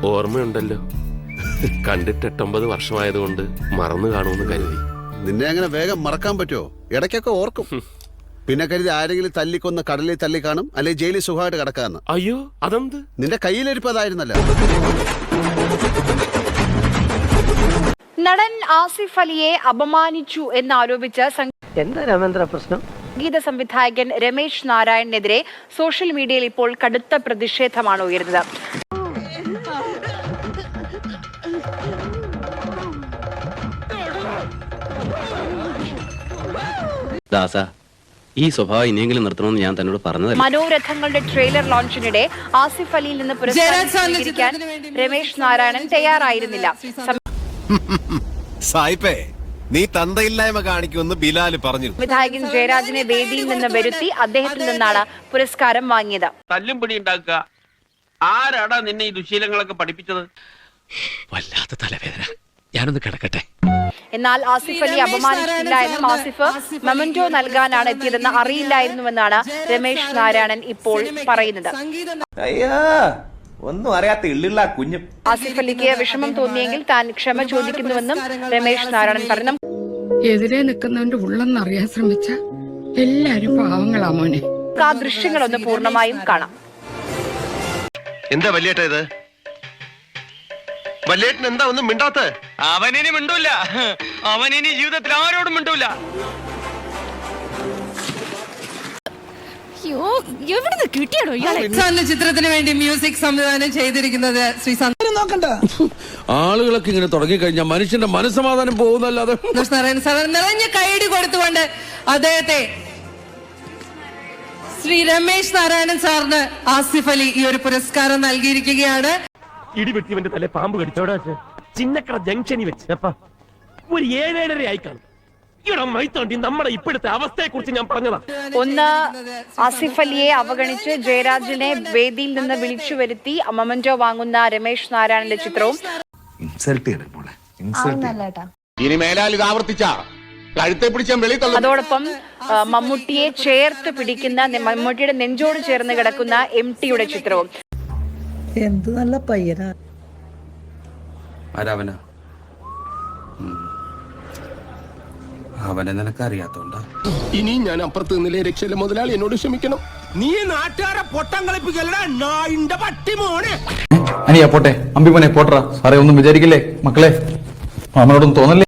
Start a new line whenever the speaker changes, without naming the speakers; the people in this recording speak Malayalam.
ഓർമ്മയുണ്ടല്ലോ, കണ്ടിട്ട് 8-9 വർഷമായതുകൊണ്ട് മറന്നു കാണുമെന്ന് കരുതി.
നിന്നെ അങ്ങനെ വേഗം മറക്കാൻ പറ്റുമോ? ഇടയ്ക്കൊക്കെ ഓർക്കും. പിന്നെ കരുതി ആരെങ്കിലും തല്ലിക്കൊന്ന് കടലിൽ തല്ലി കാണും, അല്ലെങ്കിൽ ജയിലിൽ സുഖമായിട്ട് കിടക്കാന്ന്.
അയ്യോ, അതെന്ത്?
നിന്റെ കയ്യിലിരിപ്പതായിരുന്നല്ലോ.
നടൻ ആസിഫ് അലിയെ അപമാനിച്ചു എന്നാരോപിച്ച് സംഗീത സംവിധായകൻ രമേശ് നാരായണനെതിരെ സോഷ്യൽ മീഡിയയിൽ ഇപ്പോൾ കടുത്ത പ്രതിഷേധമാണ് ഉയരുന്നത്.
ദാസ, ഈ സ്വഭാവം ഇനിയെങ്കിലും നിർത്തണമെന്ന് ഞാൻ തന്നോട് പറഞ്ഞത്.
മനോരഥങ്ങളുടെ ട്രെയിലർ ലോഞ്ചിനിടെ ആസിഫ് അലിയിൽ നിന്ന് പുരസ്കാരം സ്വീകരിക്കാൻ രമേശ് നാരായണൻ തയ്യാറായിരുന്നില്ല.
സായിപ്പേ, നീ തന്തയില്ലായ്മ കാണിക്കുമെന്ന് ബിലാൽ പറഞ്ഞു.
സംവിധായകൻ ജയരാജിനെ വേദിയിൽ നിന്ന് വരുത്തി അദ്ദേഹത്തിൽ നിന്നാണ് പുരസ്കാരം വാങ്ങിയത്.
തല്ലും പിടി ഉണ്ടാക്കുക. ആരാടാ നിന്നെ ഈ ദുശീലങ്ങളൊക്കെ പഠിപ്പിച്ചത്?
വല്ലാത്ത തലവേദന, ഞാനൊന്ന് കിടക്കട്ടെ.
എന്നാൽ ആസിഫ് അലി അപമാനിച്ചിട്ടില്ല എന്നും ആസിഫ് മെമന്റോ നൽകാനാണ് എത്തിയതെന്ന് അറിയില്ലായിരുന്നുവെന്നാണ് രമേശ് നാരായണൻ ഇപ്പോൾ പറയുന്നത്.
ഒന്നും അറിയാത്ത ഇള്ളിള്ള കുഞ്ഞും.
ആസിഫ് അലിക്ക് വിഷമം തോന്നിയെങ്കിൽ താൻ ക്ഷമ ചോദിക്കുന്നുവെന്നും രമേശ് നാരായണൻ പറഞ്ഞു.
എതിരെ നിൽക്കുന്നവന്റെ ഉള്ളെന്നറിയാൻ ശ്രമിച്ച എല്ലാരും പാവങ്ങളാ മോനെ.
ആ ദൃശ്യങ്ങളൊന്ന് പൂർണ്ണമായും കാണാം.
എന്താ വല്യേട്ട ഇത്? വല്യേട്ടൻ എന്താ ഒന്നും മിണ്ടാത്ത?
അവനിനി മിണ്ടൂല, അവനിനി ജീവിതത്തിൽ ആരോടും മിണ്ടൂല.
ചിത്രത്തിന് വേണ്ടി മ്യൂസിക് സംവിധാനം ചെയ്തിരിക്കുന്നത് ശ്രീ
നോക്കണ്ട. ആളുകളൊക്കെ ഇങ്ങനെ തുടങ്ങിക്കഴിഞ്ഞാൽ മനുഷ്യന്റെ മനസ്സമാധാനം പോകുന്നല്ലാതെ.
നാരായണൻ സാർ നിറഞ്ഞ കൈയടി കൊടുത്തുകൊണ്ട് അദ്ദേഹത്തെ ശ്രീ രമേശ് നാരായണൻ സാറിന് ആസിഫ് അലി ഈ ഒരു പുരസ്കാരം നൽകിയിരിക്കുകയാണ്.
ഇടിവെട്ടിവന്റെ തല പാമ്പ് കടിച്ചോടാ. ചിന്നക്കട ജംഗ്ഷനിൽ വെച്ച് ഒരു 7-7:30 ആയി കാണും. നമ്മുടെ ഇപ്പോഴത്തെ അവസ്ഥയെ കുറിച്ച് ഞാൻ പറഞ്ഞതാ.
ഒന്ന്, ആസിഫ് അലിയെ അവഗണിച്ച് ജയരാജിനെ വേദിയിൽ നിന്ന് വിളിച്ചു വരുത്തി മൊമെന്റോ വാങ്ങുന്ന രമേശ് നാരായണന്റെ ചിത്രവും.
ഇനി മേലാൽ ഇത് ആവർത്തിച്ച കഴുത്തെ പിടിച്ചാൽ വെളി തള്ളും.
അതോടൊപ്പം മമ്മൂട്ടിയെ ചേർത്ത് പിടിക്കുന്ന, മമ്മൂട്ടിയുടെ നെഞ്ചോട് ചേർന്ന് കിടക്കുന്ന MTയുടെ ചിത്രവും.
എന്ത് നല്ല പയ്യനാ.
ആരാവനാ? അവനെ നിനക്കറിയാത്തോണ്ടാ.
ഇനി ഞാൻ അപ്പുറത്ത് നിന്നില്ലേ രക്ഷയില്ല. മുതലാളി എന്നോട് ക്ഷമിക്കണം.
നീ നാട്ടുകാരെ പൊട്ടം കളിപ്പിക്കലടാ നായിന്റെ പട്ടി മോനെ.
അനിയാ പോട്ടെ, അമ്പിമോനെ പോട്ടറ. സാറേ ഒന്നും വിചാരിക്കില്ലേ മക്കളെ, മാമനോടൊന്നും തോന്നല്ലേ.